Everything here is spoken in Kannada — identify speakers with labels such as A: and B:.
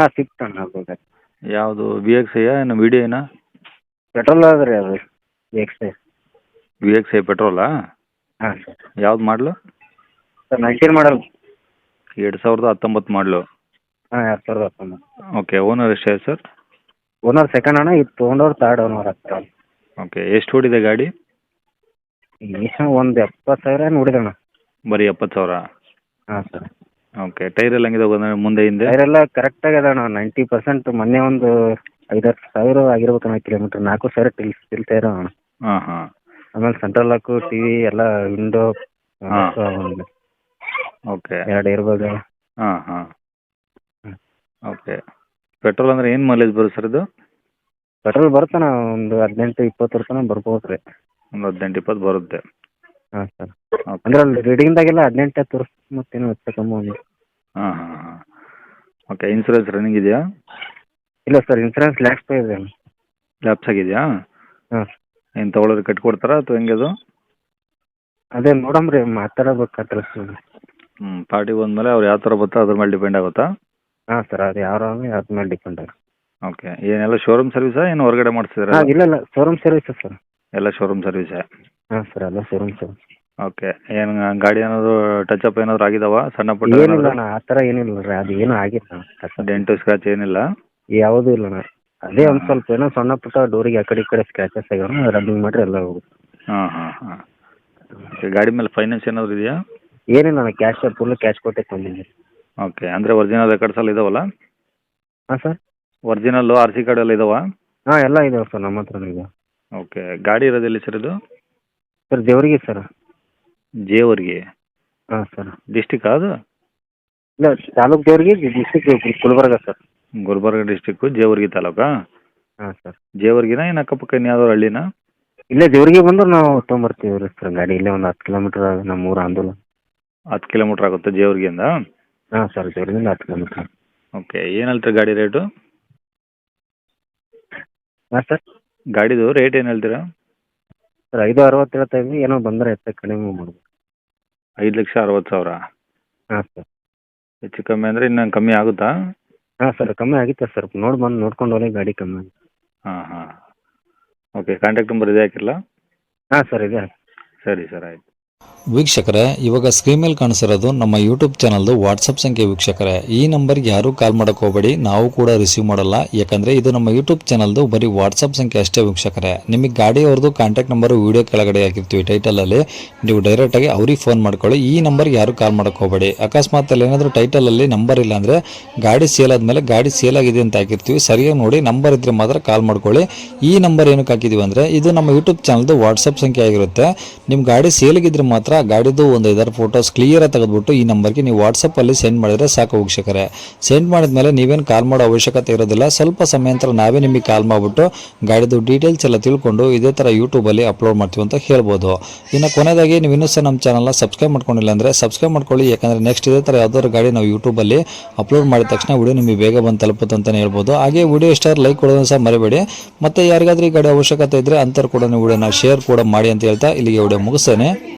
A: ಹಾಂ ಸ್ವಿಫ್ಟ್ ಅಣ್ಣ ಅದು ಗಾಡಿ.
B: ಯಾವುದು ವಿ ಎಕ್ಸ್ ಐಯಾ ಏನು ವಿ ಡಿ ಐನಾ?
A: ಪೆಟ್ರೋಲ್ ಅದ ರೀ ಅದು ಎಕ್ಸ್.
B: ವಿ ಎಕ್ಸ್ ಐ ಪೆಟ್ರೋಲಾ?
A: ಹಾಂ ಸರ್.
B: ಯಾವ್ದು ಮಾಡಲು?
A: ಸರ್ 19 ಮಾಡಲ್.
B: 2019 ಮಾಡಲು.
A: ಹಾಂ 2019.
B: ಓಕೆ. ಓನರ್ ಎಷ್ಟೇ ಸರ್?
A: ಓನರ್ ಸೆಕೆಂಡ್ ಅಣ್ಣ, ಇದು ತೊಗೊಂಡವ್ರು ಥರ್ಡ್ ಓನರ್ ಆಗ್ತಾರೆ.
B: ಓಕೆ. ಎಷ್ಟು ಓಡಿದೆ ಗಾಡಿ?
A: ಒಂದು 70,000 ನೋಡಿದಣ್ಣ.
B: ಬರೀ 70,000?
A: ಹಾಂ ಸರ್.
B: ಓಕೆ. ಟೈರ್ ಎಲ್ಲ ಹೆಂಗಿದೆ ಮುಂದೆ ಹಿಂದೆ?
A: ಟೈರೆಲ್ಲ ಕರೆಕ್ಟಾಗಿ ಅದ ಅಣ್ಣ, 90%. ಮೊನ್ನೆ ಒಂದು 5,000 ಆಗಿರ್ಬೇಕಣ್ಣ ಕಿಲೋಮೀಟ್ರ್. 4,000 ಸ್ಟಿಲ್ ಟೈರ್ ಅಣ್ಣ.
B: ಹಾಂ ಹಾಂ.
A: ಆಮೇಲೆ ಸೆಂಟ್ರಲ್ ಲಾಕು, ಟಿ ವಿ ಎಲ್ಲ, ವಿಂಡೋ,
B: ಓಕೆ.
A: 2 ಇರ್ಬೋದು.
B: ಹಾಂ ಹಾಂ. ಓಕೆ. ಪೆಟ್ರೋಲ್ ಅಂದರೆ ಏನು ಮೈಲೇಜ್ ಬರುತ್ತೆ ಸರ್ ಇದು?
A: ಪೆಟ್ರೋಲ್ ಬರುತ್ತಣ್ಣ, ಒಂದು 18-20 ತನಕ ಬರ್ಬೋದು ರೀ.
B: ಒಂದು 18-20 ಬರುತ್ತೆ.
A: ಹಾಂ ಸರ್.
B: ಓಕೆ.
A: ಅಂದ್ರೆ ಅಲ್ಲಿ ರೀಡಿಂಗ್ದಾಗೆಲ್ಲ 18 ತೋರಿಸ್ತು, ಮತ್ತೇನು ಹೆಚ್ಚು ಕಮ್ಮಿ ಒಂದು.
B: ಹಾಂ ಹಾಂ ಹಾಂ. ಓಕೆ. ಇನ್ಸೂರೆನ್ಸ್ ರನ್ನಿಂಗ್ ಇದೆಯಾ?
A: ಇಲ್ಲ ಸರ್, ಇನ್ಸೂರೆನ್ಸ್ ಲ್ಯಾಕ್ಸ್ ಪೇ ಇದೆ.
B: ಲ್ಯಾಪ್ಸ್ ಆಗಿದೆಯಾ?
A: ಹಾಂ.
B: ಏನು ತೊಗೊಳೋರು ಕಟ್ಕೊಡ್ತಾರಾ ಅಥವಾ ಹೆಂಗೆ ಅದು?
A: ಅದೇ ನೋಡಮ್ರಿ, ಮಾತಾಡಬೇಕಾದ್ರೆ ಸರ್.
B: ಪಾರ್ಟಿ ಬಂದಮೇಲೆ ಅವ್ರು ಯಾವ ಥರ ಬರ್ತಾರೋ ಅದ್ರ ಮೇಲೆ ಡಿಪೆಂಡ್ ಆಗುತ್ತಾ?
A: ಹಾಂ ಸರ್, ಅದು ಯಾರು ಅದ್ರ ಮೇಲೆ ಡಿಪೆಂಡ್ ಆಗುತ್ತೆ.
B: ಓಕೆ. ಏನೆಲ್ಲ ಶೋರೂಮ್ ಸರ್ವಿಸಾ ಏನು ಹೊರಗಡೆ ಮಾಡಿಸಿದ್ರಾ?
A: ಹಾಂ, ಇಲ್ಲ ಶೋರೂಮ್ ಸರ್ವಿಸ್ ಸರ್.
B: ಎಲ್ಲ ಶೋರೂಮ್ ಸರ್ವಿಸೇ?
A: ಹಾಂ ಸರ್, ಎಲ್ಲ ಶೋರೂಮ್ ಸರ್ವಿಸ್.
B: ಓಕೆ. ಏನು ಗಾಡಿ ಏನಾದರೂ ಟಚಪ್ ಏನಾದರೂ ಆಗಿದಾವ ಸಣ್ಣ ಪುಟ್ಟ?
A: ಏನಿಲ್ಲ ಅಣ್ಣ, ಆ ಥರ ಏನಿಲ್ಲ ರೀ, ಅದು ಏನೂ ಆಗಿಲ್ಲ.
B: ಡೆಂಟು ಸ್ಕ್ರಾಚ್ ಏನಿಲ್ಲ?
A: ಯಾವುದೂ ಇಲ್ಲ ಅಣ್ಣ. ಅದೇ ಒಂದು ಸ್ವಲ್ಪ ಏನೋ ಸಣ್ಣ ಪುಟ್ಟ ಡೋರಿಗೆ ಆ ಕಡೆ ಈ ಕಡೆ ಸ್ಕ್ರಾಚಸ್ ಆಗ್ಯಾವ, ರನ್ನಿಂಗ್ ಮಾಡಿರಿ ಎಲ್ಲ ಹೋಗುತ್ತೆ.
B: ಹಾಂ ಹಾಂ ಹಾಂ. ಓಕೆ. ಗಾಡಿ ಮೇಲೆ ಫೈನಾನ್ಸ್ ಏನಾದರೂ ಇದೆಯಾ?
A: ಏನಿಲ್ಲ ಅಣ್ಣ, ಫುಲ್ ಕ್ಯಾಶ್ ಕೊಟ್ಟೆ ತಂದಿದ್ದೀನಿ.
B: ಓಕೆ. ಅಂದರೆ ಒರಿಜಿನಲ್ ರೆಕಾರ್ಡ್ಸ್ ಎಲ್ಲ ಇದಾವಲ್ಲ?
A: ಹಾಂ sir.
B: Original R C card ಎಲ್ಲ ಇದಾವ?
A: ಹಾಂ, ಎಲ್ಲ ಇದಾವೆ ಸರ್, ನಮ್ಮ ಹತ್ರನೂ ಇದೆ.
B: ಓಕೆ. ಗಾಡಿ ಇರೋದೆಲ್ಲಿ ಸರ್ ಇದು?
A: ಸರ್ ದೇವರಿಗೆ ಸರ್.
B: ಜೇವರ್ಗಿ
A: ಹಾಂ ಸರ್.
B: ಡಿಸ್ಟಿಕ್ ಅದು?
A: ಇಲ್ಲ, ತಾಲೂಕು ದೇವರಿಗೆ, district Gulbarga sir.
B: Gulbarga district, Jevargi ತಾಲೂಕಾ?
A: ಹಾಂ ಸರ್.
B: ಜೇವರ್ಗಿನ ಏನು ಅಕ್ಕಪಕ್ಕ ಇನ್ಯಾವ್ದಾದ್ರು ಹಳ್ಳಿನಾ?
A: ಇಲ್ಲೇ ದೇವರಿಗೆ ಬಂದು ನಾವು ತೊಗೊಂಬರ್ತೀವಿ ರೀ ಸರ್ ಗಾಡಿ. ಇಲ್ಲೇ ಒಂದು 10 ಕಿಲೋಮೀಟ್ರ್ ನಮ್ಮ ಊರು ಆಂದೋಲನ.
B: 10 ಕಿಲೋಮೀಟ್ರ್ ಆಗುತ್ತೆ ಜೇವರ್ಗಿಯಿಂದ?
A: ಹಾಂ ಸರ್, ದೇವರಿಗಿಂದ 10 ಕಿಲೋಮೀಟ್ರ್.
B: ಓಕೆ. ಏನು ಹೇಳ್ತೀರಾ ಗಾಡಿ ರೇಟು?
A: ಹಾಂ ಸರ್.
B: ಗಾಡಿದು ರೇಟ್ ಏನು ಹೇಳ್ತೀರಾ?
A: ಸರ್ 5,60 ಹೇಳ್ತಾ ಇದ್ವಿ, ಏನೋ ಬಂದರೆ ಹೆಚ್ಚು ಕಡಿಮೆ ಮಾಡ್ಬೋದು.
B: 5,60,000?
A: ಹಾಂ ಸರ್.
B: ಹೆಚ್ಚು ಕಮ್ಮಿ ಅಂದರೆ ಇನ್ನೂ ಕಮ್ಮಿ ಆಗುತ್ತಾ?
A: ಹಾಂ ಸರ್, ಕಮ್ಮಿ ಆಗಿತ್ತೆ ಸರ್. ನೋಡ್ಕೊಂಡು ಹೋಗಿ ಗಾಡಿ ಕಮ್ಮಿ ಆಗಿದೆ.
B: ಹಾಂ ಹಾಂ. ಓಕೆ. ಕಾಂಟ್ಯಾಕ್ಟ್ ನಂಬರ್ ಇದೆ ಹಾಕಿರಲಾ?
A: ಹಾಂ ಸರ್, ಇದೆ.
B: ಸರಿ ಸರ್, ಆಯಿತು.
C: ವೀಕ್ಷಕರೇ, ಇವಾಗ ಸ್ಕ್ರೀನ್ ಮೇಲೆ ಕಾಣಿಸಿರೋದು ನಮ್ಮ ಯೂಟ್ಯೂಬ್ ಚಾನಲ್ದು ವಾಟ್ಸಪ್ ಸಂಖ್ಯೆ. ವೀಕ್ಷಕರೇ, ಈ ನಂಬರ್ಗೆ ಯಾರೂ ಕಾಲ್ ಮಾಡೋಕೆ ಹೋಗಬೇಡಿ, ನಾವು ಕೂಡ ರಿಸೀವ್ ಮಾಡಲ್ಲ. ಯಾಕಂದರೆ ಇದು ನಮ್ಮ ಯೂಟ್ಯೂಬ್ ಚಾನಲ್ದು ಬರೀ ವಾಟ್ಸಪ್ ಸಂಖ್ಯೆ ಅಷ್ಟೇ. ವೀಕ್ಷಕರೇ, ನಿಮಗೆ ಗಾಡಿಯವ್ರದ್ದು ಕಾಂಟ್ಯಾಕ್ಟ್ ನಂಬರು ವೀಡಿಯೋ ಕೆಳಗಡೆ ಹಾಕಿರ್ತೀವಿ ಟೈಟಲಲ್ಲಿ, ನೀವು ಡೈರೆಕ್ಟಾಗಿ ಅವ್ರಿಗೆ ಫೋನ್ ಮಾಡ್ಕೊಳ್ಳಿ. ಈ ನಂಬರ್ಗೆ ಯಾರೂ ಕಾಲ್ ಮಾಡೋಕೆ ಹೋಗಬೇಡಿ. ಅಕಸ್ಮಾತ್ ಅಲ್ಲಿ ಏನಾದರೂ ಟೈಟಲಲ್ಲಿ ನಂಬರ್ ಇಲ್ಲ ಅಂದರೆ ಗಾಡಿ ಸೇಲ್ ಆದಮೇಲೆ ಗಾಡಿ ಸೇಲ್ ಆಗಿದೆ ಅಂತ ಹಾಕಿರ್ತೀವಿ, ಸರಿಯಾಗಿ ನೋಡಿ ನಂಬರ್ ಇದ್ದರೆ ಮಾತ್ರ ಕಾಲ್ ಮಾಡ್ಕೊಳ್ಳಿ. ಈ ನಂಬರ್ ಏನಕ್ಕೆ ಹಾಕಿದ್ದೀವಿ ಅಂದರೆ ಇದು ನಮ್ಮ ಯೂಟ್ಯೂಬ್ ಚಾನಲ್ದು ವಾಟ್ಸಪ್ ಸಂಖ್ಯೆ ಆಗಿರುತ್ತೆ. ನಿಮ್ಮ ಗಾಡಿ ಸೇಲಿಗಿದ್ರೆ ಮಾತ್ರ ಗಾಡಿದು ಒಂದು 5 ಫೋಟೋಸ್ ಕ್ಲಿಯರಾಗಿ ತೆಗೆದುಬಿಟ್ಟು ಈ ನಂಬರ್ಗೆ ನೀವು ವಾಟ್ಸಪ್ಪಲ್ಲಿ ಸೆಂಡ್ ಮಾಡಿದರೆ ಸಾಕು. ವೀಕ್ಷಕರೇ, ಸೆಂಡ್ ಮಾಡಿದ್ಮೇಲೆ ನೀವೇನು ಕಾಲ್ ಮಾಡೋ ಅವಶ್ಯಕತೆ ಇರೋದಿಲ್ಲ. ಸ್ವಲ್ಪ ಸಮಯ ನಂತರ ನಾವೇ ನಿಮಗೆ ಕಾಲ್ ಮಾಡಿಬಿಟ್ಟು ಗಾಡಿದು ಡೀಟೇಲ್ಸ್ ಎಲ್ಲ ತಿಳ್ಕೊಂಡು ಇದೇ ಥರ ಯೂಟ್ಯೂಬಲ್ಲಿ ಅಪ್ಲೋಡ್ ಮಾಡ್ತೀವಿ ಅಂತ ಹೇಳ್ಬೋದು. ಇನ್ನು ಕೊನೆಯದಾಗಿ ನೀವು ಇನ್ನೂ ಸಹ ನಮ್ಮ ಚಾನಲ್ನ ಸಬ್ಸ್ಕ್ರೈಬ್ ಮಾಡ್ಕೊಂಡಿಲ್ಲ ಅಂದರೆ ಸಬ್ಸ್ಕ್ರೈಬ್ ಮಾಡ್ಕೊಳ್ಳಿ. ಯಾಕಂದರೆ ನೆಕ್ಸ್ಟ್ ಇದೇ ಥರ ಯಾವ್ದಾದ್ರು ಗಾಡಿ ನಾವು ಯೂಟ್ಯೂಬಲ್ಲಿ ಅಪ್ಲೋಡ್ ಮಾಡಿದ ತಕ್ಷಣ ವಿಡಿಯೋ ನಿಮಗೆ ಬೇಗ ಬಂದು ತಲುಪುತ್ತೆ ಅಂತಲೇ ಹೇಳ್ಬೋದು. ಹಾಗೆ ವಿಡಿಯೋ ಇಷ್ಟ ಲೈಕ್ ಕೊಡೋದನ್ನು ಸಹ ಮರಿಬೇಡಿ. ಮತ್ತು ಯಾರಿಗಾದ್ರೂ ಈ ಗಾಡಿ ಅವಶ್ಯಕತೆ ಇದ್ದರೆ ಅಂಥವ್ರು ಕೂಡ ನೀವು ವಿಡಿಯೋನ ಶೇರ್ ಕೂಡ ಮಾಡಿ ಅಂತ ಹೇಳ್ತಾ ಇಲ್ಲಿಗೆ ವಿಡಿಯೋ ಮುಗಿಸ್ತೇನೆ.